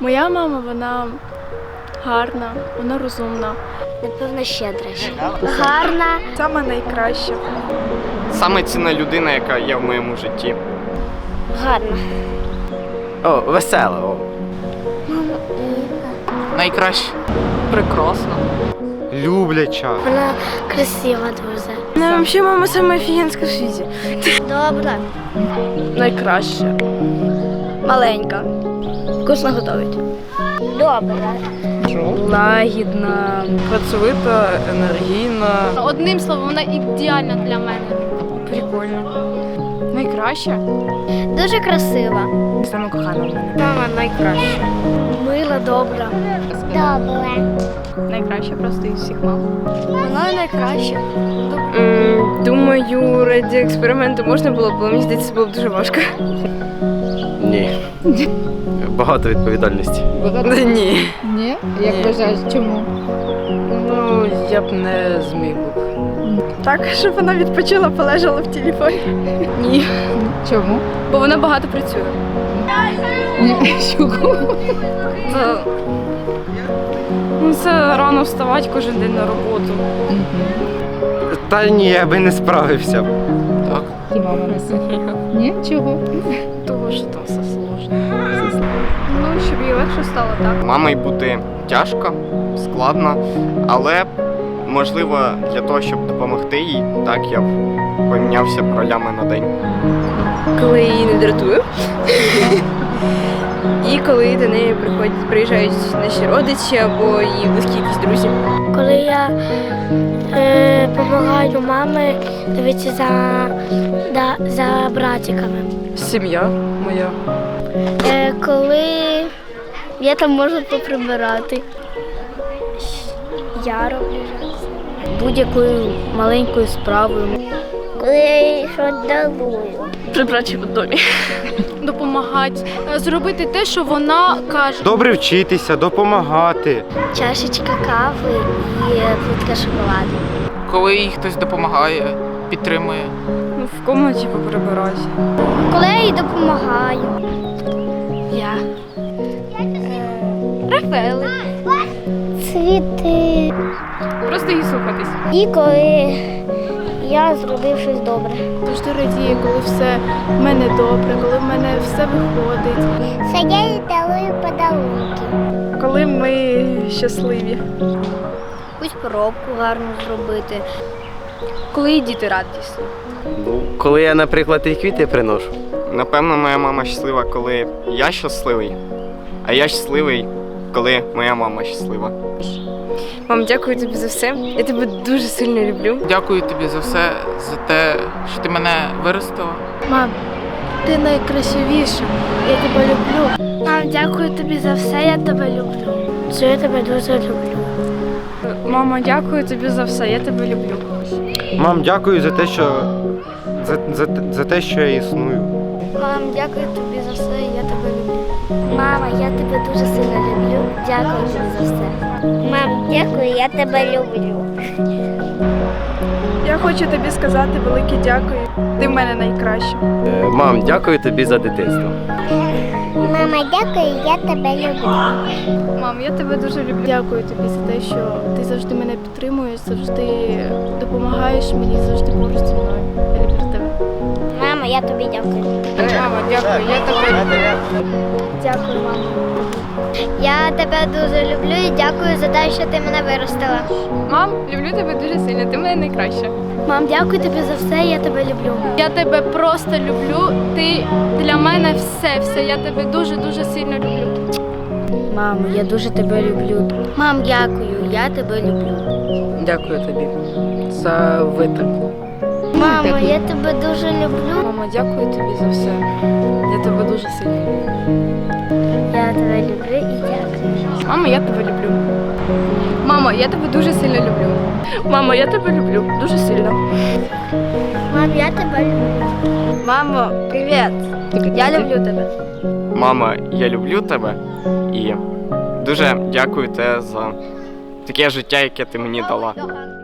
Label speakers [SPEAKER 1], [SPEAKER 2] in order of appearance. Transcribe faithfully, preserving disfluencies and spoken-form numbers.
[SPEAKER 1] Моя мама, вона гарна, вона розумна.
[SPEAKER 2] Напевно, щедра. Гарна.
[SPEAKER 1] Сама найкраща.
[SPEAKER 3] Саме цінна людина, яка є в моєму житті.
[SPEAKER 2] Гарна.
[SPEAKER 4] О, весела. О.
[SPEAKER 5] Найкраще.
[SPEAKER 6] Прекрасно.
[SPEAKER 4] Любляча.
[SPEAKER 2] Вона красива дуже.
[SPEAKER 1] Вона взагалі мама сама офігенська в світі.
[SPEAKER 2] Добра.
[SPEAKER 1] Найкраща. Маленька. Вкусно готовить.
[SPEAKER 2] Добра.
[SPEAKER 1] Лагідна.
[SPEAKER 6] Працьовита, енергійна.
[SPEAKER 7] Одним словом, вона ідеальна для мене.
[SPEAKER 1] Прикольно. Найкраща.
[SPEAKER 2] Дуже красива.
[SPEAKER 1] Саме кохана в мене.
[SPEAKER 2] Мама найкраща. Мила, добра. Добра.
[SPEAKER 1] Найкраща просто із всіх мам.
[SPEAKER 2] Вона найкраща.
[SPEAKER 1] Думаю, раді експерименту можна було б, але мені здається, це було б дуже важко.
[SPEAKER 4] Ні. Багато відповідальності.
[SPEAKER 6] Ні.
[SPEAKER 8] Ні? Як
[SPEAKER 6] Ні.
[SPEAKER 8] вважаєш, чому?
[SPEAKER 6] Ну, я б не зміг.
[SPEAKER 1] Так, щоб вона відпочила, полежала в телефоні. Ні.
[SPEAKER 8] Чому?
[SPEAKER 1] Бо вона багато працює.
[SPEAKER 8] Ні. Чого?
[SPEAKER 1] Це, ну, це рано вставати кожен день на роботу.
[SPEAKER 4] Та ні, я би не справився.
[SPEAKER 5] Так.
[SPEAKER 8] І мама не сильна. Ні? Чого?
[SPEAKER 1] Того, що там все сложно. Ну, щоб їй легше стало, так?
[SPEAKER 3] Мамою бути тяжко, складно, але можливо для того, щоб допомогти їй, так я б помінявся б ролями на день.
[SPEAKER 1] Коли її не дратую. І коли до неї приходять, приїжджають наші родичі або її близькі якісь друзі.
[SPEAKER 2] Коли я е, допомагаю мамі дивитися за, да, за братиками.
[SPEAKER 6] Сім'я моя.
[SPEAKER 2] Е, коли я там можу поприбирати. Я роблю будь-якою маленькою справою. Коли я їй щось дарую.
[SPEAKER 1] Прибрати в домі.
[SPEAKER 7] Допомагати, зробити те, що вона каже.
[SPEAKER 4] Добре вчитися, допомагати.
[SPEAKER 2] Чашечка кави і плитка шоколаду.
[SPEAKER 5] Коли їй хтось допомагає, підтримує.
[SPEAKER 1] Ну, в кімнаті поприбирати.
[SPEAKER 2] Коли я їй допомагаю. Я. Рафаели. Цвіти.
[SPEAKER 1] Просто її слухатись.
[SPEAKER 2] І коли я зробив щось добре.
[SPEAKER 1] Завжди радію, коли все в мене добре, коли в мене все виходить.
[SPEAKER 2] Це я їй дарую подарунки.
[SPEAKER 1] Коли ми щасливі.
[SPEAKER 2] Якусь поробку гарно зробити.
[SPEAKER 1] Коли і діти радісні.
[SPEAKER 4] Ну, коли я, наприклад, і квіти приношу.
[SPEAKER 3] Напевно, моя мама щаслива, коли я щасливий, а я щасливий, коли моя мама щаслива.
[SPEAKER 1] Мам, дякую тобі за все. Я тебе дуже сильно люблю.
[SPEAKER 5] Дякую тобі за все, за те, що ти мене виростила.
[SPEAKER 2] Мам, ти найкрасивіша. Я тебе люблю. Мам, дякую тобі за все, я тебе люблю. Що я тебе дуже люблю.
[SPEAKER 1] Мама, дякую тобі за все. Я тебе люблю.
[SPEAKER 4] Мам, дякую за те, що за, за, за те, що я існую.
[SPEAKER 2] Мам, дякую тобі за все, я тебе люблю. Мама, я тебе дуже сильно люблю. Дякую тобі за все. Мам, дякую, я тебе люблю.
[SPEAKER 1] Я хочу тобі сказати велике дякую. Ти в мене найкраща.
[SPEAKER 4] Е, Мам, дякую тобі за дитинство.
[SPEAKER 2] Мама, дякую, я тебе люблю.
[SPEAKER 1] Мам, я тебе дуже люблю. Дякую тобі за те, що ти завжди мене підтримуєш, завжди допомагаєш мені, завжди поруч зі мною. Я люблю тебе.
[SPEAKER 2] Мама, я тобі дякую.
[SPEAKER 1] Мама, дякую, я тебе люблю.
[SPEAKER 2] Дякую, мама. Я тебе дуже люблю і дякую за те, що ти мене виростила.
[SPEAKER 1] Мам, люблю тебе дуже сильно, ти в мене найкраща.
[SPEAKER 2] Мам, дякую тобі за все, я тебе люблю.
[SPEAKER 7] Я тебе просто люблю. Ти для мене все, все. Я тебе дуже-дуже сильно люблю.
[SPEAKER 2] Мамо, я дуже тебе люблю. Мам, дякую, я тебе люблю.
[SPEAKER 6] Дякую тобі за витримку.
[SPEAKER 2] Мамо, я тебе дуже люблю.
[SPEAKER 1] Мама, дякую тобі за все. Я тебе дуже сильно люблю.
[SPEAKER 2] Я тебе люблю і дякую.
[SPEAKER 1] Мама, я тебе люблю. Мама, я тебе дуже сильно люблю. Мама, я тебе люблю дуже сильно.
[SPEAKER 2] Мам, я тебе люблю.
[SPEAKER 1] Мамо, привіт. Я люблю тебе.
[SPEAKER 3] Мама, я люблю тебе і дуже дякую тебе за таке життя, яке ти мені дала.